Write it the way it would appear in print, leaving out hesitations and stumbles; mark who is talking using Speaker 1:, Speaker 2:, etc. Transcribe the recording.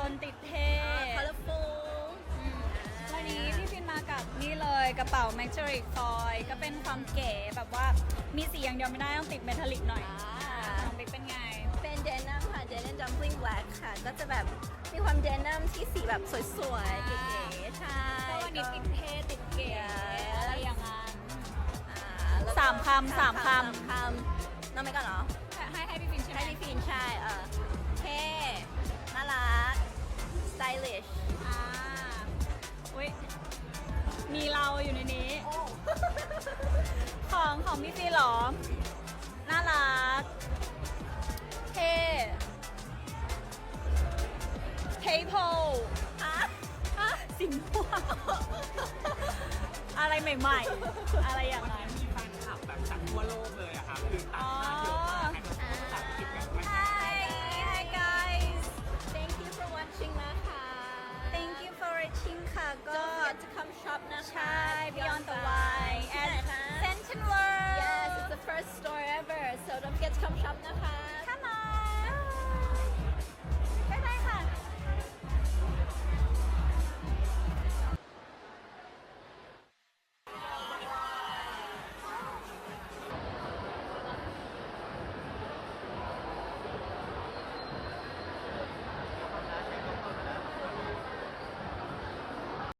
Speaker 1: นติดเท่
Speaker 2: colorful
Speaker 1: วันนี้พี่ฟินมากับนี่เลยกระเป๋า m a g i c Foil ก็เป็นความเก๋แบบว่ามีสีอย่างเดียวไม่ได้ต้องติดเมทัลลิกหน่อยน้องบิ๊กเป็นไง
Speaker 2: เป็นเดนัมค่ะเดนัมจัม p ลิงแบล็กค่ะ ก็จะแบบมีความเดนัมที่สีแบบสวยๆ เก๋ๆ ใช่
Speaker 1: ก็วันนี้ติดเท่ติดเก๋อะไรอย่างนั้น
Speaker 2: แล้วก็
Speaker 1: สามคำ
Speaker 2: สามคำน้องไม่ก่อนเหรอ
Speaker 1: ให้พี่ฟินใช่ไหม
Speaker 2: ให้พี่ฟินใช่เท่น่ารัก stylish
Speaker 1: อ่าอุ้ยมีเราอยู่ในนี้
Speaker 2: โอ้
Speaker 1: ของพี่ฟินเหรอ น่ารัก เท่เทโพสิงห์ม่วงอะไรใหม่ๆ อะไรอย่างนั้น
Speaker 3: มีแฟนคลับแบบจากทั่วโลกเลยอะครับคือต่างชาติเยอะมากให้ภาษาอังกฤษกันไหม
Speaker 1: Hi guys
Speaker 2: thank you for watching นะคะ
Speaker 1: thank you for watching ค่ะก็
Speaker 2: don't forget to come shop นะคะ
Speaker 1: ใช่ Beyond the
Speaker 2: Wine
Speaker 1: Wine
Speaker 2: ที่ไหน
Speaker 1: at
Speaker 2: คะ
Speaker 1: Central World
Speaker 2: yes it's the first store ever so don't forget to come shop